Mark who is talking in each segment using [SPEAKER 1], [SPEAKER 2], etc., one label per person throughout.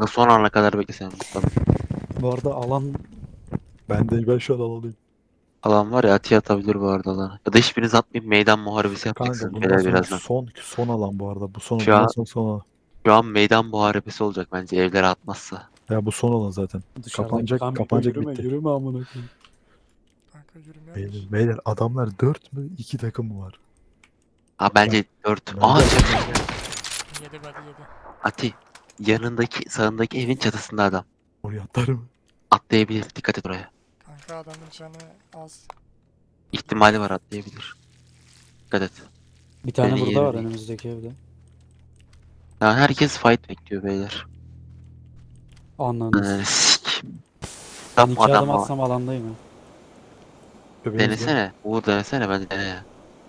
[SPEAKER 1] Kanka son ana kadar beklesem Mustafa.
[SPEAKER 2] Bu arada alan ben şu an alandayım.
[SPEAKER 1] Alan var ya Ati atabilir bu arada alanı. Ya da hiçbiriniz atmayıp meydan muharebesi
[SPEAKER 2] Kanka
[SPEAKER 1] yapacaksınız
[SPEAKER 2] bundan
[SPEAKER 1] beyler
[SPEAKER 2] sonra
[SPEAKER 1] birazdan.
[SPEAKER 2] son alan bu arada.
[SPEAKER 1] Şu
[SPEAKER 2] Bundan
[SPEAKER 1] an,
[SPEAKER 2] sonra son alan.
[SPEAKER 1] şu an meydan muharebesi olacak bence evlere atmazsa.
[SPEAKER 2] Ya bu son alan zaten.
[SPEAKER 3] Dışarıdaki
[SPEAKER 2] Kapanacak
[SPEAKER 3] yürüme
[SPEAKER 2] bitti.
[SPEAKER 3] yürüme amına koyayım. Kanka yürümüyormuş.
[SPEAKER 2] Beyler adamlar 4 mü 2 takım mı var?
[SPEAKER 1] Ha bence 4.
[SPEAKER 2] Ben
[SPEAKER 1] Aa
[SPEAKER 2] de-
[SPEAKER 1] çatı.
[SPEAKER 3] Yedi hadi yedi.
[SPEAKER 1] Ati. Yanındaki sağındaki evin çatısında adam.
[SPEAKER 2] Oraya atlarım.
[SPEAKER 1] Atlayabilir. Dikkat et oraya.
[SPEAKER 3] Kanka adamın canı az.
[SPEAKER 1] İhtimali var atlayabilir. Dikkat et.
[SPEAKER 4] Bir tane
[SPEAKER 1] Senin
[SPEAKER 4] burada var
[SPEAKER 1] yerin-
[SPEAKER 4] önümüzdeki evde.
[SPEAKER 1] Ya herkes fight bekliyor beyler.
[SPEAKER 4] Anladınız.
[SPEAKER 1] Sik.
[SPEAKER 4] Ben
[SPEAKER 1] Tam
[SPEAKER 4] 2 adım
[SPEAKER 1] adam var.
[SPEAKER 4] atsam alandayım ya.
[SPEAKER 1] Denesene. Uğur denesene bence dene ya.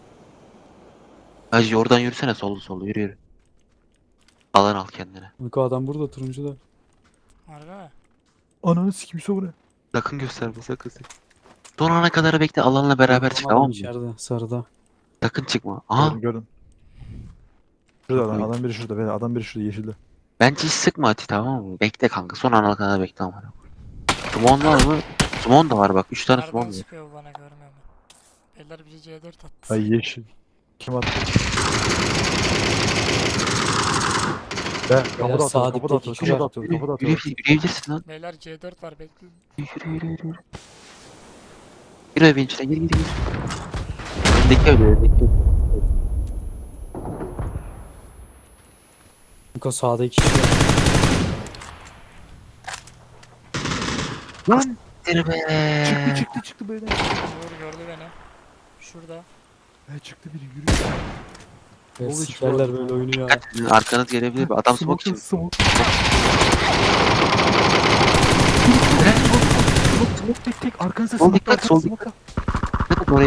[SPEAKER 1] Hacı oradan yürüsene sollu yürü yürü. Alan al kendine.
[SPEAKER 4] Miko adam burada turuncu da.
[SPEAKER 3] Harbi mi?
[SPEAKER 2] Ananı sikim sonra.
[SPEAKER 1] Sakın gösterme sakın. Son ana kadar bekle alanla beraber çık
[SPEAKER 4] Adam
[SPEAKER 1] tamam mı?
[SPEAKER 4] içeride sarıda.
[SPEAKER 1] Sakın çıkma. Aha
[SPEAKER 2] Gördüm. Şurada
[SPEAKER 1] Çok iyi.
[SPEAKER 2] adam biri şurada. Beyler adam biri şurada yeşilde.
[SPEAKER 1] bence hiç sıkma Ati tamam mı? Bekle kanka son ana kadar bekle ama. Sumon var mı? Sumon da var bak 3 tane Sumon
[SPEAKER 3] Nereden
[SPEAKER 1] var.
[SPEAKER 3] sıkıyor bu bana görmüyor mu? Eller biri C4 attı.
[SPEAKER 2] Ay yeşil. Kim attı? Ben kapıda
[SPEAKER 4] sağ
[SPEAKER 2] atıyor, kapıda atıyor,
[SPEAKER 4] dipteki
[SPEAKER 2] kapıda atıyor, kapıda atıyor.
[SPEAKER 1] Yürüyebilirsin lan.
[SPEAKER 3] Beyler C4 var bekle.
[SPEAKER 1] Yürü. Yürü evin içine gir. Öndeki öndeki.
[SPEAKER 4] Miko sağda 2 kişi var.
[SPEAKER 2] Lan!
[SPEAKER 1] Yürü be.
[SPEAKER 2] Çıktı böyle.
[SPEAKER 3] Uğur gördü beni. Şurada.
[SPEAKER 2] Çıktı biri yürüyor.
[SPEAKER 4] Ve
[SPEAKER 2] Oğlum,
[SPEAKER 4] sikerler böyle oyunu ya.
[SPEAKER 1] Sizin arkanız gelebilir. Adam smoke için.
[SPEAKER 2] Smoke tek arkanızda
[SPEAKER 1] Sol
[SPEAKER 2] smoke
[SPEAKER 1] dikkat,
[SPEAKER 2] arkanızda
[SPEAKER 1] sol
[SPEAKER 2] smoke.
[SPEAKER 1] Dikkat et oraya.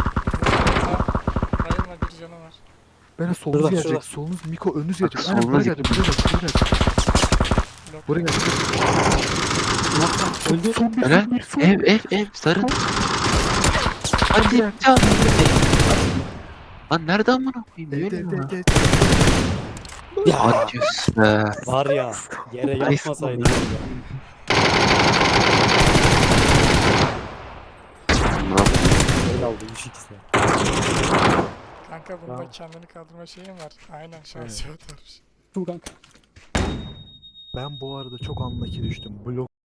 [SPEAKER 3] Bayılma bir canı var.
[SPEAKER 2] Bana solunuz
[SPEAKER 4] Şurada,
[SPEAKER 2] gelecek.
[SPEAKER 4] şurada.
[SPEAKER 2] Solunuz Miko önünüz
[SPEAKER 1] Bak,
[SPEAKER 2] gelecek. Aynen buraya
[SPEAKER 1] solunuz
[SPEAKER 2] gelecek. Buraya gelecek.
[SPEAKER 3] Blok.
[SPEAKER 2] Buraya gelecek.
[SPEAKER 4] Öldü.
[SPEAKER 2] Son bir
[SPEAKER 1] Helal.
[SPEAKER 2] son bir son.
[SPEAKER 1] Ev sarı. Hadi can. Lan nerede amına koyayım?
[SPEAKER 2] Evet,
[SPEAKER 1] Yürü ya.
[SPEAKER 2] evet.
[SPEAKER 4] Ya
[SPEAKER 1] Adios be.
[SPEAKER 4] var ya yere yatmasaydın. Öyle oldu 3-2'de.
[SPEAKER 3] Kanka bunda
[SPEAKER 4] Tamam.
[SPEAKER 3] kendini kaldırma şeyin var. Aynen şansı evet.
[SPEAKER 4] Dur kanka.
[SPEAKER 2] Ben bu arada çok anlaki düştüm. Blok